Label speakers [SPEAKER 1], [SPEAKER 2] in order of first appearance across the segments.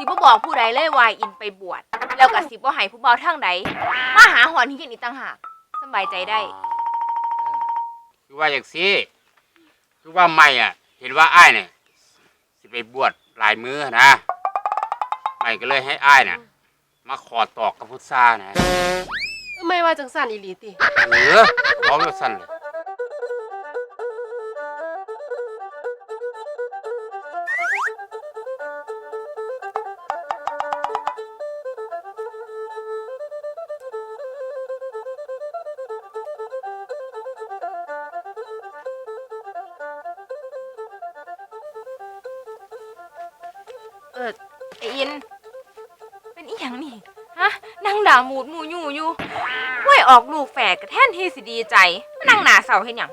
[SPEAKER 1] บ่บอกผู้ใดเลยว่าอินไปบวชแล้วก็สิบ่ให้ผู้เบาทางใดมาหาหอนที่อีกต่างหากสบายใจได้
[SPEAKER 2] คือว่าอย่างซี่คือว่าไม่เห็นว่าอ้ายเนี่ยสิไปบวชหลายมื้อนะไม่ก็เลยให้อ้ายเนี่ยมาขอตอกกับพุทธานะ
[SPEAKER 3] ไม่ว่าจังสันอีหลีติ
[SPEAKER 2] เอาแบบสั้นเลย
[SPEAKER 1] ไออินเป็นอีหยังนี่ฮะนั่งด่าหมูดหมูอยู่ห้วยออกลูกแฝดกระแท่นที่สิดีใจมานั่งหนาเสาเห็นหยัง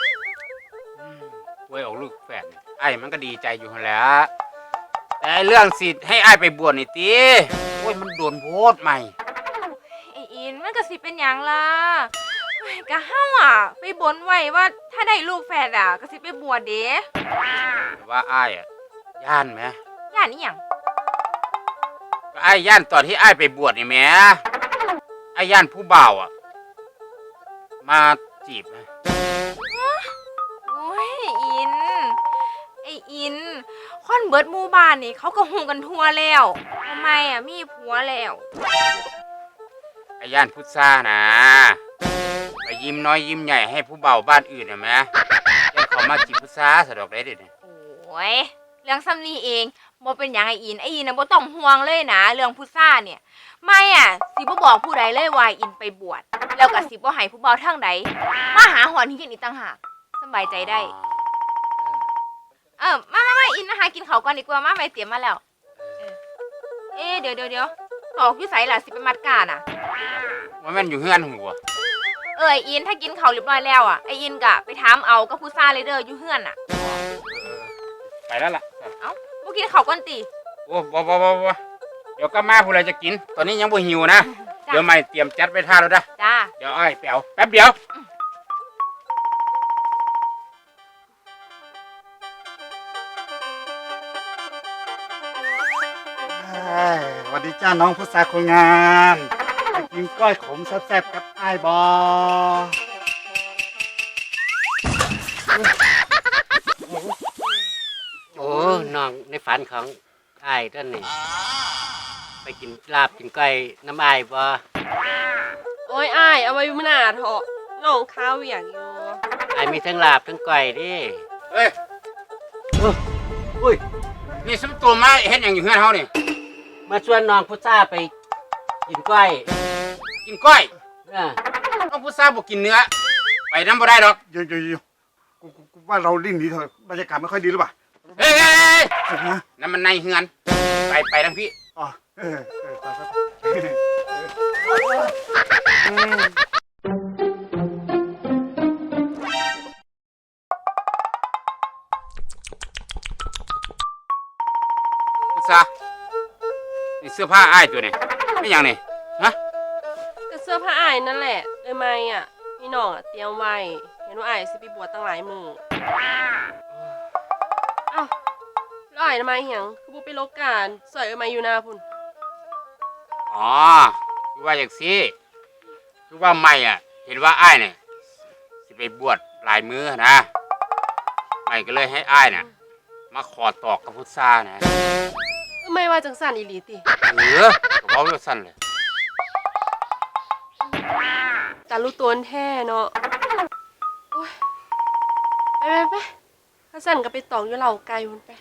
[SPEAKER 2] ไว้ออกลูกแฝดไอ้มันก็ดีใจอยู่แหล้วแต่เรื่องสิทธิ์ให้อ้ายไปบวชนี่ติโอ้ยมันโดนโพดใหม่
[SPEAKER 1] ไออินมันก็สิเป็นหยังล่ะกะเฮาไปบนไว้ว่าถ้าได้ลูกแฝดก็สิไปบวชเด้
[SPEAKER 2] แต่ว่าอ้ายย่านไหม
[SPEAKER 1] ย่านนี่หยัง
[SPEAKER 2] ไอ้ย่านตอนที่ไอ้ไปบวชนี่แม่ไอ้ย่านผู้บ่าวมาจีบนะ
[SPEAKER 1] โอ้ยไออินคนเบิดหมู่บ้านนี่เขาก็ฮู้กันทั่วแล้วทำไมมีผัวแล้ว
[SPEAKER 2] ไอ้ย่านพุทธานะไปยิ้มน้อยยิ้มใหญ่ให้ผู้บ่าวบ้านอื่นนะแม่ยังเขามาจีบพุทธาสะดอกได้เด็ด
[SPEAKER 1] โอ้ยเรื่องซ้ำนี้เองบ่เป็นอย่างไออินน่ะบ่ต้องห่วงเลยนะเรื่องพุทธาเนี่ยไม่สิบ่บอกผู้ใดเลยว่าอินไปบวชแล้วก็สิบ่ให้ผู้เบาทางใดมาหาหอนที่อีกต่างหากสบายใจได้มาอินนะคะกินข้าวก่อนดีกว่ามาไปเตรียมมาแล้วเดี๋ยวตอกอยู่ไสล่ะสิไปมัดก้าน่ะ
[SPEAKER 2] ว่ามันอยู่เฮือนหัว
[SPEAKER 1] อินถ้ากินข้าวเรียบร้อยแล้วไออินก็ไปถามเอากับผู้ซ่าเลยเด้ออยู่เฮือนน่ะ
[SPEAKER 2] ไปแล้วล่ะ
[SPEAKER 1] บ่กินข้าวก่อนติ
[SPEAKER 2] โอ้บ่เดี๋ยวก็มาผู้ใดจะกินตอนนี้ยังบ่หิวนะเดี๋ยวไม่เตรียมจัดไปท่าแล้วนะ
[SPEAKER 1] จ้า
[SPEAKER 2] เดี๋ยวอ้ายไปเอาแป๊บเดียว
[SPEAKER 4] สวัสดีจ้าน้องพุทธาคนงามไปกินก้อยขมแซ่บๆกับอ้ายบอ
[SPEAKER 5] โอ้น้องในฝันของอ้ายท่านนี่ไปกินลาบกินก้อยน้ำอ้ายบ่
[SPEAKER 3] โอ้ยอ้ายเอาไว้มื้อหน้าเถอะน้องข้าวเวียกอยู่
[SPEAKER 5] อ้ายมีทั้งลาบทั้งก้อยดิ
[SPEAKER 2] เฮ้ยอุ้ยนี่สมตัวมาเฮ็ดหยังอยู่เฮือนเฮานี่
[SPEAKER 5] มาชวนน้องพุทธาไปกินก้อย
[SPEAKER 2] น้องพุทธาบ่กินเนื้อไปนำบ่ได้ดอก
[SPEAKER 4] อยู่กูว่าเราลิ้นดีเถอะบรรยากาศไม่ค่อยดีหรือเปล่า
[SPEAKER 2] เฮ้ยนั่นมันในเฮือนไปทางพี่
[SPEAKER 4] อ๋อ
[SPEAKER 2] พุทธานี่เสื้อผ้าอ้ายตัวนี้ไม่หยังนี่ฮะ
[SPEAKER 3] ก็เสื้อผ้าอ้ายนั่นแหละไม่พี่น้องเตรียมไว้เห็นว่าอ้ายสิไปบวชตั้งหลายมื้อแล้วอ้ายทำไมหยังคือบ่ไปลบการสวยมาอยู่หน้าพุ่น
[SPEAKER 2] อ๋อคือว่าอย่างซี่คือว่าไม่เห็นว่าอ้ายเนี่ยสิไปบวชหลายมื้อนะไม่ก็เลยให้อ้ายเนี่ยมาขอตอกกับพุทธานะ
[SPEAKER 3] ไม่ว่าจังสันอีหลีติ
[SPEAKER 2] ก็เว้าแบบสั้นเลย
[SPEAKER 3] แต่รู้ตัวแท้เนาะโอ้ยไปถ้าสั่นก็ไปตอกอยู่เหล่าไก่พุ่นไป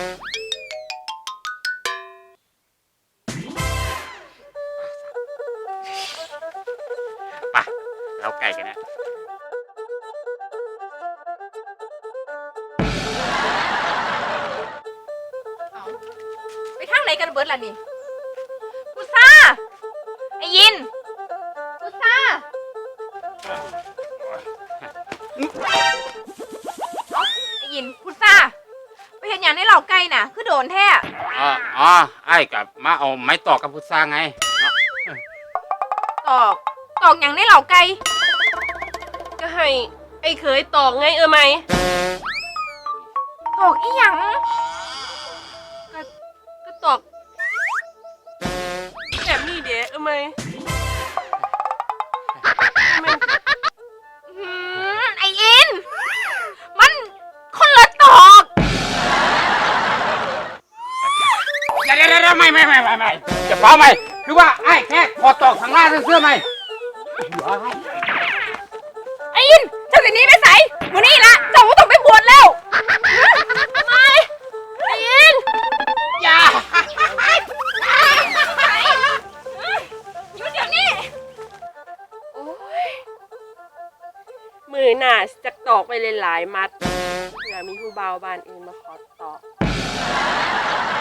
[SPEAKER 2] เราไก่กันนะ
[SPEAKER 1] ไปทางไหนกันเบิดล่ะนี่พุทธาไออินพุทธาไออินพุทธาไปเห็นอย่างในเหล่าไก่น่ะคือโดนแท้
[SPEAKER 2] ไอ้กับมาเอาไม้ตอกกับพุทธาไง
[SPEAKER 1] ตอกอย่างในเหล่าไก่
[SPEAKER 3] ก็ให้ไอ้เคยตอกไงไหม
[SPEAKER 1] ตอกอีหยัง
[SPEAKER 3] ก็ตอกไหมแม่น
[SPEAKER 1] ไออิน มันคนละตอก
[SPEAKER 2] เดี๋ยวไม่จะเฝ้าไม่คือว่าไอ้แค่ขอตอกทางล่างเสื้อไหม
[SPEAKER 1] ไออินเจ้าสิหนี้ไปใส่มื้อนี้ละเจ้าก็ต้องไปบวชแล้วไม่ไออิน
[SPEAKER 2] อย่า
[SPEAKER 1] หยุดเดี๋ยวนี้
[SPEAKER 3] โอ้ยมือหน่าจะตอกไปหลายๆมัดเผื่อมีผู้บ่าวบ้านอื่นมาขอตอก